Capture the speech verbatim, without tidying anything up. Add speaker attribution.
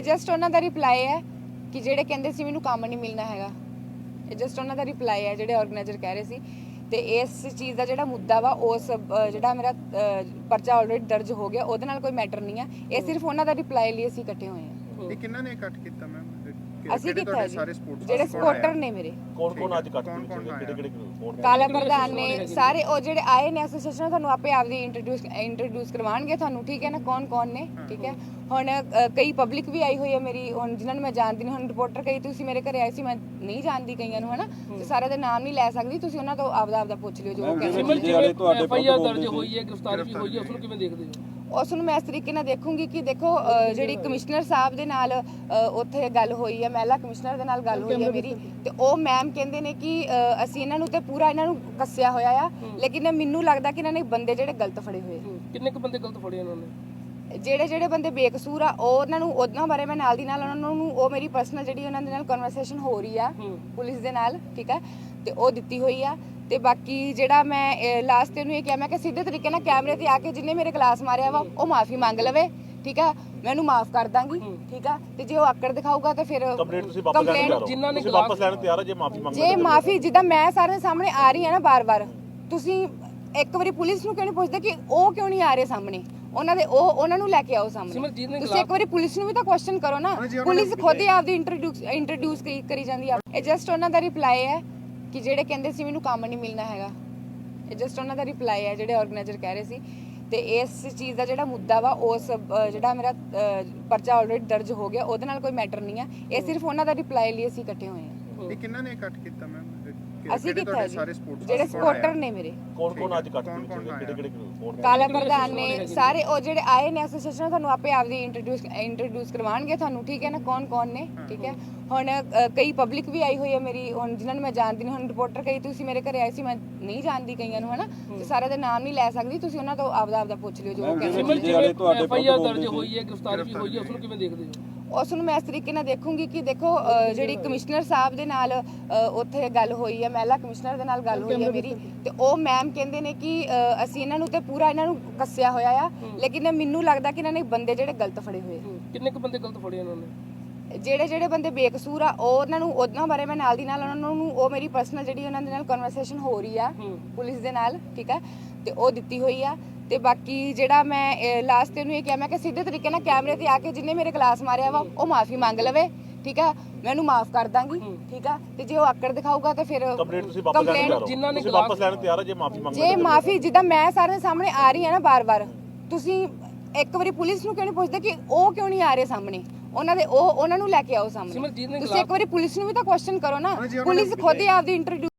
Speaker 1: ਇਹ ਜਸਟ ਉਹਨਾਂ ਦਾ ਰਿਪਲਾਈ ਹੈ ਕਿ ਜਿਹੜੇ ਕਹਿੰਦੇ ਸੀ ਮੈਨੂੰ ਕੰਮ ਨਹੀਂ ਮਿਲਣਾ ਹੈਗਾ। ਇਹ ਜਸਟ ਉਹਨਾਂ ਦਾ ਰਿਪਲਾਈ ਹੈ ਜਿਹੜੇ ਆਰਗੇਨਾਈਜ਼ਰ ਕਹਿ ਰਹੇ ਸੀ। ਤੇ ਇਸ ਚੀਜ਼ ਦਾ ਜਿਹੜਾ ਮੁੱਦਾ ਵਾ ਉਸ ਜਿਹੜਾ ਮੇਰਾ ਪਰਚਾ ਆਲਰੇਡੀ ਦਰਜ ਹੋ ਗਿਆ, ਉਹਦੇ ਨਾਲ ਕੋਈ ਮੈਟਰ ਨਹੀਂ ਹੈ। ਇਹ ਸਿਰਫ ਉਹਨਾਂ ਦਾ ਰਿਪਲਾਈ ਲਈ ਅਸੀਂ ਇਕੱਠੇ ਹੋਏ ਹਾਂ।
Speaker 2: ਇਹ ਕਿੰਨਾਂ ਨੇ ਕੱਟ ਕੀਤਾ ਮੈਮ?
Speaker 1: ਅਸੀਂ ਕੀਤਾ ਸਾਰੇ ਜਿਹੜੇ ਸਪੋਰਟਰ ਨੇ ਮੇਰੇ।
Speaker 3: ਕੌਣ ਕੌਣ ਅੱਜ ਕੱਟ ਕਿਹੜੇ ਕਿਹੜੇ ਕੌਣ?
Speaker 1: ਕਾਲਾ ਪ੍ਰਧਾਨ ਨੇ ਸਾਰੇ, ਉਹ ਜਿਹੜੇ ਆਏ ਨੇ ਐਸੋਸੀਏਸ਼ਨ, ਤੁਹਾਨੂੰ ਆਪੇ ਆਪਦੀ ਇੰਟਰੋਡਿਊਸ ਇੰਟਰੋਡਿਊਸ ਕਰਵਾਉਣਗੇ ਤੁਹਾਨੂੰ, ਠੀਕ ਹੈ ਨਾ, ਕੌਣ ਕੌਣ ਨੇ, ਠੀਕ ਹੈ। ਹੁਣ ਕਈ ਪਬਲਿਕ ਵੀ ਆਈ ਹੋਈ ਹੈ ਮੇਰੀ, ਹੁਣ ਜਿਨ੍ਹਾਂ ਨੂੰ ਮੈਂ ਜਾਣਦੀ ਨਹੀਂ। ਹੁਣ ਰਿਪੋਰਟਰ ਕਈ ਤੁਸੀਂ ਮੇਰੇ ਘਰੇ ਆਏ ਸੀ, ਮੈਂ ਨਹੀਂ ਜਾਣਦੀ ਕਈਆਂ ਨੂੰ, ਹਨਾ, ਤੇ ਸਾਰਿਆਂ ਦੇ ਨਾਮ ਨਹੀਂ ਲੈ ਸਕਦੀ, ਤੁਸੀਂ ਉਹਨਾਂ ਤੋਂ ਆਪਦਾ ਆਪਦਾ ਪੁੱਛ ਲਿਓ ਜੋ ਕਹਿੰਦੇ।
Speaker 4: ਐਫ ਆਈ ਆਰ ਦਰਜ ਹੋਈ ਹੈ, ਗ੍ਰਿਫਤਾਰੀ ਵੀ ਹੋਈ ਹੈ, ਉਸ ਨੂੰ ਕਿਵੇਂ ਦੇਖਦੇ ਹੋ?
Speaker 1: ਉਸ ਨੂੰ ਮੈਂ ਇਸ ਤਰੀਕੇ ਨਾਲ ਦੇਖੂੰਗੀ ਕਿ ਦੇਖੋ ਜਿਹੜੀ ਕਮਿਸ਼ਨਰ ਸਾਹਿਬ ਦੇ ਨਾਲ ਉੱਥੇ ਗੱਲ ਹੋਈ ਹੈ, ਮਹਿਲਾ ਕਮਿਸ਼ਨਰ ਦੇ ਨਾਲ ਗੱਲ ਹੋਈ ਹੈ ਮੇਰੀ, ਤੇ ਉਹ ਮੈਮ ਕਹਿੰਦੇ ਨੇ ਕਿ ਅਸੀਂ ਇਹਨਾਂ ਨੂੰ ਤੇ ਪੂਰਾ ਇਹਨਾਂ ਨੂੰ ਕੱਸਿਆ ਹੋਇਆ ਆ, ਲੇਕਿਨ ਮੈਨੂੰ ਲੱਗਦਾ ਕਿ ਇਹਨਾਂ ਨੇ ਬੰਦੇ ਜਿਹੜੇ ਗਲਤ ਫੜੇ ਹੋਏ।
Speaker 4: ਕਿੰਨੇ ਕੁ ਬੰਦੇ ਗਲਤ ਫੜੇ ਇਹਨਾਂ ਨੇ?
Speaker 1: ਜਿਹੜੇ ਜਿਹੜੇ ਬੰਦੇ ਬੇਕਸੂਰ ਆ ਉਹ ਉਹਨਾਂ ਨੂੰ, ਉਹਨਾਂ ਬਾਰੇ ਮੈਂ ਨਾਲ ਦੀ ਨਾਲ ਉਹਨਾਂ ਨੂੰ, ਉਹ ਮੇਰੀ ਪਰਸਨਲ ਜਿਹੜੀ ਉਹਨਾਂ ਦੇ ਨਾਲ ਕਨਵਰਸੇਸ਼ਨ ਹੋ ਰਹੀ ਆ ਪੁਲਿਸ ਦੇ ਨਾਲ, ਠੀਕ ਹੈ, ਤੇ ਉਹ ਦਿੱਤੀ ਹੋਈ ਆ। ਤੇ ਬਾਕੀ ਜਿਹੜਾ ਮੈਂ ਲਾਸਟ ਤੇ ਨੂੰ ਇਹ ਕਿਹਾ, ਮੈਂ ਕਿ ਸਿੱਧੇ ਤਰੀਕੇ ਨਾਲ ਕੈਮਰੇ ਤੇ ਆ ਕੇ ਜਿਹਨੇ ਮੇਰੇ ਕਲਾਸ ਮਾਰਿਆ ਵਾ ਉਹ ਮਾਫੀ ਮੰਗ ਲਵੇ, ਠੀਕ ਆ, ਮੈਂ ਉਹਨੂੰ ਮਾਫ ਕਰ ਦਾਂਗੀ, ਠੀਕ ਆ। ਤੇ ਜੇ ਉਹ ਆਕੜ ਦਿਖਾਊਗਾ ਤੇ ਫਿਰ
Speaker 3: ਕੰਪਲੇਂਟ ਤੁਸੀਂ ਵਾਪਸ ਲੈਣ ਤਿਆਰ ਹੋ?
Speaker 4: ਜਿਨ੍ਹਾਂ ਨੇ
Speaker 3: ਵਾਪਸ ਲੈਣ ਤਿਆਰ ਹੋ ਜੇ ਮਾਫੀ ਮੰਗ
Speaker 1: ਜੇ ਮਾਫੀ, ਜਿੱਦਾਂ ਮੈਂ ਸਾਰਿਆਂ ਦੇ ਸਾਹਮਣੇ ਆ ਰਹੀ ਹਾਂ ਨਾ ਬਾਰ-ਬਾਰ, ਤੁਸੀਂ ਇੱਕ ਵਾਰੀ ਪੁਲਿਸ ਨੂੰ ਕਿਉਂ ਨਹੀਂ ਪੁੱਛਦੇ ਕਿ ਉਹ ਕਿਉਂ ਨਹੀਂ ਆ ਰਹੇ ਸਾਹਮਣੇ? ਉਹਨਾਂ ਦੇ ਉਹ ਉਹਨਾਂ ਨੂੰ ਲੈ ਕੇ ਆਓ ਸਾਹਮਣੇ। ਤੁਸੀਂ ਇੱਕ ਵਾਰੀ ਪੁਲਿਸ ਨੂੰ ਵੀ ਤਾਂ ਕੁਐਸਚਨ ਕਰੋ ਨਾ। ਪੁਲਿਸ ਖੁਦ ਹੀ ਆਪਦੀ ਇੰਟਰੋਡਿਊਸ ਇੰਟਰੋਡਿਊਸ ਕਰੀ ਜਾਂਦੀ ਆ। ਇਹ ਜਸਟ ਉਹਨਾਂ ਦਾ ਰਿਪਲਾਈ ਹੈ ਕਿ ਜਿਹੜੇ ਕਹਿੰਦੇ ਸੀ ਮੈਨੂੰ ਕੰਮ ਨਹੀਂ ਮਿਲਣਾ ਹੈਗਾ। ਇਹ ਜਸਟ ਉਹਨਾਂ ਦਾ ਰਿਪਲਾਈ ਹੈ ਜਿਹੜੇ ਆਰਗੇਨਾਈਜ਼ਰ ਕਹਿ ਰਹੇ ਸੀ। ਤੇ ਇਸ ਚੀਜ਼ ਦਾ ਜਿਹੜਾ ਮੁੱਦਾ ਵਾ ਉਸ ਜਿਹੜਾ ਮੇਰਾ ਪਰਚਾ ਆਲਰੇਡੀ ਦਰਜ ਹੋ ਗਿਆ, ਉਹਦੇ ਨਾਲ ਕੋਈ ਮੈਟਰ ਨਹੀਂ ਹੈ। ਇਹ ਸਿਰਫ ਉਹਨਾਂ ਦਾ ਰਿਪਲਾਈ ਲਈ ਅਸੀਂ ਇਕੱਠੇ ਹੋਏ ਹਾਂ।
Speaker 2: ਇਹ ਕਿੰਨਾਂ ਨੇ ਕੱਟ ਕੀਤਾ ਮੈਮ?
Speaker 1: ਅਸੀਂ ਕੀਤਾ ਜਿਹੜੇ ਸਪੋਰਟਰ ਨੇ ਮੇਰੇ।
Speaker 3: ਕੌਣ ਕੌਣ ਅੱਜ ਕੱਟ ਕਿਹੜੇ ਕਿਹੜੇ ਕੌਣ?
Speaker 1: ਕਾਲਾ ਪ੍ਰਧਾਨ ਨੇ ਸਾਰੇ, ਉਹ ਜਿਹੜੇ ਆਏ ਨੇ ਐਸੋਸੀਏਸ਼ਨ, ਤੁਹਾਨੂੰ ਆਪੇ ਆਪਦੀ ਇੰਟਰੋਡਿਊਸ ਇੰਟਰੋਡਿਊਸ ਕਰਵਾਉਣਗੇ ਤੁਹਾਨੂੰ, ਠੀਕ ਹੈ ਨਾ, ਕੌਣ ਕੌਣ ਨੇ, ਠੀਕ ਹੈ। ਹੁਣ ਕਈ ਪਬਲਿਕ ਵੀ ਆਈ ਹੋਈ ਹੈ ਮੇਰੀ, ਹੁਣ ਜਿਨ੍ਹਾਂ ਨੂੰ ਮੈਂ ਜਾਣਦੀ ਨਹੀਂ। ਹੁਣ ਰਿਪੋਰਟਰ ਕਈ ਤੁਸੀਂ ਮੇਰੇ ਘਰੇ ਆਏ ਸੀ, ਮੈਂ ਨਹੀਂ ਜਾਣਦੀ ਕਈਆਂ ਨੂੰ, ਹਨਾ, ਤੇ ਸਾਰਿਆਂ ਦੇ ਨਾਮ ਨਹੀਂ ਲੈ ਸਕਦੀ, ਤੁਸੀਂ ਉਹਨਾਂ ਤੋਂ ਆਪਦਾ ਆਪਦਾ ਪੁੱਛ ਲਿਓ ਜੋ ਕਹਿੰਦੇ।
Speaker 4: ਐਫ ਆਈ ਆਰ ਦਰਜ ਹੋਈ ਹੈ, ਗ੍ਰਿਫਤਾਰੀ ਵੀ ਹੋਈ ਹੈ, ਉਸ ਨੂੰ ਕਿਵੇਂ ਦੇਖਦੇ ਹੋ?
Speaker 1: ਉਸ ਨੂੰ ਮੈਂ ਇਸ ਤਰੀਕੇ ਨਾਲ ਦੇਖੂੰਗੀ ਕਿ ਦੇਖੋ ਜਿਹੜੀ ਕਮਿਸ਼ਨਰ ਸਾਹਿਬ ਦੇ ਨਾਲ ਉੱਥੇ ਗੱਲ ਹੋਈ ਹੈ, ਮਹਿਲਾ ਕਮਿਸ਼ਨਰ ਦੇ ਨਾਲ ਗੱਲ ਹੋਈ ਹੈ ਮੇਰੀ, ਤੇ ਉਹ ਮੈਮ ਕਹਿੰਦੇ ਨੇ ਕਿ ਅਸੀਂ ਇਹਨਾਂ ਨੂੰ ਤੇ ਪੂਰਾ ਇਹਨਾਂ ਨੂੰ ਕੱਸਿਆ ਹੋਇਆ ਆ, ਲੇਕਿਨ ਮੈਨੂੰ ਲੱਗਦਾ ਕਿ ਇਹਨਾਂ ਨੇ ਬੰਦੇ ਜਿਹੜੇ ਗਲਤ ਫੜੇ ਹੋਏ।
Speaker 4: ਕਿੰਨੇ ਕੁ ਬੰਦੇ ਗਲਤ ਫੜੇ ਇਹਨਾਂ ਨੇ?
Speaker 1: ਜਿਹੜੇ ਜਿਹੜੇ ਬੰਦੇ ਬੇਕਸੂਰ ਆ ਉਹ ਉਹਨਾਂ ਨੂੰ, ਉਹਨਾਂ ਬਾਰੇ ਮੈਂ ਨਾਲ ਦੀ ਨਾਲ ਉਹਨਾਂ ਨੂੰ, ਉਹ ਮੇਰੀ ਪਰਸਨਲ ਜਿਹੜੀ ਉਹਨਾਂ ਦੇ ਨਾਲ ਕਨਵਰਸੇਸ਼ਨ ਹੋ ਰਹੀ ਆ ਪੁਲਿਸ ਦੇ ਨਾਲ, ਠੀਕ ਹੈ, ਤੇ ਉਹ ਦਿੱਤੀ ਹੋਈ ਆ। ਤੇ ਬਾਕੀ ਜਿਹੜਾ ਮੈਂ ਲਾਸਟ ਤੇ ਨੂੰ ਇਹ ਕਿਹਾ, ਮੈਂ ਕਿ ਸਿੱਧੇ ਤਰੀਕੇ ਨਾਲ ਕੈਮਰੇ ਤੇ ਆ ਕੇ ਜਿਹਨੇ ਮੇਰੇ ਕਲਾਸ ਮਾਰਿਆ ਵਾ ਉਹ ਮਾਫੀ ਮੰਗ ਲਵੇ, ਠੀਕ ਆ, ਮੈਂ ਉਹਨੂੰ ਮਾਫ ਕਰ ਦਾਂਗੀ, ਠੀਕ ਆ। ਤੇ ਜੇ ਉਹ ਆਕੜ ਦਿਖਾਊਗਾ ਤੇ ਫਿਰ
Speaker 3: ਕੰਪਲੇਂਟ ਤੁਸੀਂ ਵਾਪਸ ਲੈਣ ਤਿਆਰ ਹੋ?
Speaker 4: ਜਿਨ੍ਹਾਂ ਨੇ
Speaker 3: ਵਾਪਸ ਲੈਣ ਤਿਆਰ ਹੋ ਜੇ ਮਾਫੀ ਮੰਗ
Speaker 1: ਜੇ ਮਾਫੀ, ਜਿੱਦਾਂ ਮੈਂ ਸਾਰਿਆਂ ਦੇ ਸਾਹਮਣੇ ਆ ਰਹੀ ਹਾਂ ਨਾ ਬਾਰ-ਬਾਰ, ਤੁਸੀਂ ਇੱਕ ਵਾਰੀ ਪੁਲਿਸ ਨੂੰ ਕਿਉਂ ਨਹੀਂ ਪੁੱਛਦੇ ਕਿ ਉਹ ਕਿਉਂ ਨਹੀਂ ਆ ਰਹੇ ਸਾਹਮਣੇ? ਉਹਨਾਂ ਦੇ ਉਹ ਉਹਨਾਂ ਨੂੰ ਲੈ ਕੇ ਆਓ ਸਾਹਮਣੇ। ਤੁਸੀਂ ਇੱਕ ਵਾਰੀ ਪੁਲਿਸ ਨੂੰ ਵੀ ਤਾਂ ਕੁਐਸਚਨ ਕਰੋ ਨਾ। ਪੁਲਿਸ ਖੁਦ ਹੀ ਆਪਦੀ ਇੰਟਰੋਡਿਊਸ